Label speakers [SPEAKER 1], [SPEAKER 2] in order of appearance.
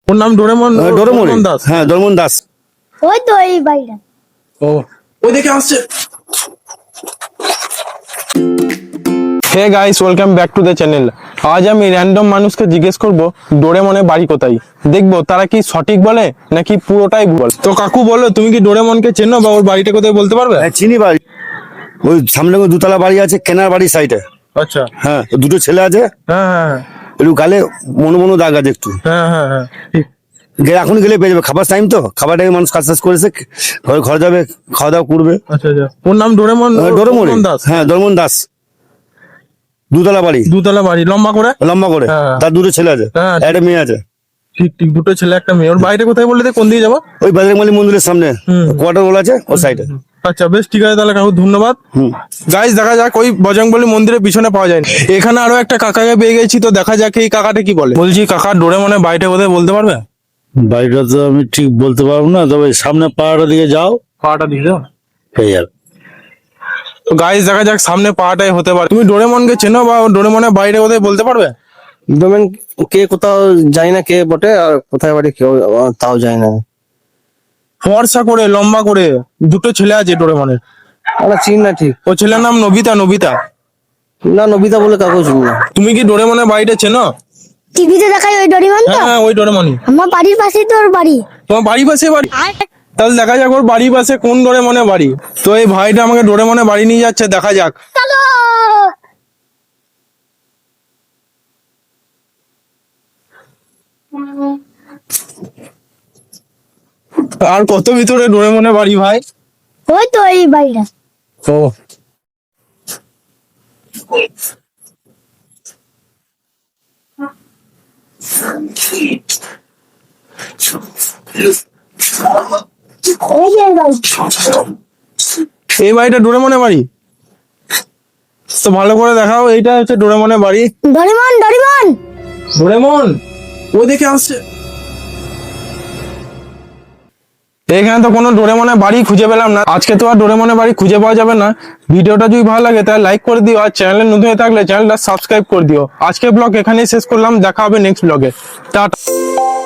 [SPEAKER 1] ওর নাম Doraemon.
[SPEAKER 2] Doraemon
[SPEAKER 1] Das.
[SPEAKER 2] হ্যাঁ Doraemon Das.
[SPEAKER 3] ওই তো এই বাড়িটা।
[SPEAKER 1] ও ওই দেখে আসছে। Hey guys, welcome back to the channel. আজ আমি র্যান্ডম মানুষকে জিজ্ঞেস করব ডোরেমনের বাড়ি কোথায়। দেখবো তারা কি সঠিক বলে নাকি পুরোটাই ভুল। তো কাকু বলো, তুমি কি ডোরেমনকে চেনো বা ওর বাড়িটা কোথায় বলতে পারবে?
[SPEAKER 2] হ্যাঁ চিনি বাড়ি, ওই সামনে ওই দুতলা বাড়ি আছে, কেনার বাড়ির সাইডে।
[SPEAKER 1] আচ্ছা।
[SPEAKER 2] হ্যাঁ দুটো ছেলে আছে,
[SPEAKER 1] হ্যাঁ হ্যাঁ
[SPEAKER 2] একটু গালে মনো মনো দাগ আছে একটু।
[SPEAKER 1] হ্যাঁ হ্যাঁ হ্যাঁ ঠিক।
[SPEAKER 2] এখন গেলে পেয়ে যাবে, খাবার টাইম তো, খাবার টাইমে মানুষ কাজ টাজ করেছে, ঘর যাবে, খাওয়া দাওয়া করবে।
[SPEAKER 1] আচ্ছা আচ্ছা, ওর নাম ডোরেমন।
[SPEAKER 2] ডোরেমন
[SPEAKER 1] দাস।
[SPEAKER 2] হ্যাঁ ডোরেমন দাস। দুতলা বাড়ি,
[SPEAKER 1] দুতলা বাড়ি, লম্বা করে।
[SPEAKER 2] লম্বা করে।
[SPEAKER 1] হ্যাঁ।
[SPEAKER 2] তার দুটো ছেলে আছে,
[SPEAKER 1] হ্যাঁ,
[SPEAKER 2] একটা মেয়ে আছে।
[SPEAKER 1] ঠিক ঠিক, দুটো ছেলে একটা মেয়ে। ওর বাড়িটা কোথায় বললে? কোন দিকে যাবো?
[SPEAKER 2] ওই বজরংবলী মন্দিরের সামনে কোয়ার্টার বলা আছে, ওর সাইডে।
[SPEAKER 1] আচ্ছা বেশ, ঠিক আছে তাহলে কাকু, ধন্যবাদ। গাইস দেখা যাক, ওই বজরংবলী মন্দিরের পিছনে পাওয়া যায় না। এখানে আরো একটা কাকাকে পেয়ে গেছি, তো দেখা যাক এই কাকাটা কি বলে। বলছি কাকা, ডোরেমনের বাড়িটা কোথায় বলতে পারবে?
[SPEAKER 4] বাড়িটা তো আমি ঠিক বলতে পারবো না, তবে সামনে পাহাড়ের দিকে যাও,
[SPEAKER 1] পাটা দিয়ে দাও।
[SPEAKER 4] এই আর
[SPEAKER 1] তো গাইস দেখা যাক, সামনে পাটাই হতে পারে। তুমি ডোরেমনকে চেনো বা ডোরেমনের বাড়িটা কোথায় বলতে পারবে?
[SPEAKER 5] ডোমেন কে কোথাও যায় না, কে বটে আর কোথায় বাড়ি কেউ তাও যায় না।
[SPEAKER 1] ফর্সা করে, লম্বা করে, দুটো ছেলে আছে ডোরেমনের।
[SPEAKER 5] আমরা চিনি না ঠিক।
[SPEAKER 1] ও ছেলের নাম নবিতা। নবিতা।
[SPEAKER 5] না, নবিতা বলে কাগজ না।
[SPEAKER 1] তুমি কি ডোরেমনের বাড়িটা চেনো?
[SPEAKER 3] টিভিতে দেখাই ওই ডরিমন তো।
[SPEAKER 1] হ্যাঁ ওই ডোরেমনই।
[SPEAKER 3] আমার বাড়ির পাশেই তো ওর বাড়ি।
[SPEAKER 1] তোমার বাড়ি পাশে বাড়ি? তাহলে দেখা যাক ওর বাড়ির পাশে কোন ডোরেমনের বাড়ি। তো এই ভাইটা আমাকে ডোরেমনের বাড়ি নিয়ে যাচ্ছে, দেখা যাক।
[SPEAKER 3] চলো।
[SPEAKER 1] আর কত ভিতরে ডোরেমনের বাড়ি ভাই?
[SPEAKER 3] ওই তো এই বাড়িটা।
[SPEAKER 1] ও
[SPEAKER 3] এই যে এই বাড়ি।
[SPEAKER 1] এই বাড়িটা ডোরেমনের বাড়ি? তো ভালো করে দেখাও, এইটা হচ্ছে ডোরেমনের বাড়ি।
[SPEAKER 3] ডরিমন ডরিমন।
[SPEAKER 1] ডোরেমন ও দেখে আসছে। এখানে তো কোনো ডোরেমনের বাড়ি খুঁজে পেলাম না। আজকে তো আর ডোরেমনের বাড়ি খুঁজে পাওয়া যাবে না। ভিডিওটা যদি ভালো লাগে তাহলে লাইক করে দিও, আর চ্যানেলে নতুন হয়ে থাকলে চ্যানেলটা সাবস্ক্রাইব করে দিও। আজকের ব্লগ এখানেই শেষ করলাম, দেখা হবে নেক্সট ব্লগে। টাটা।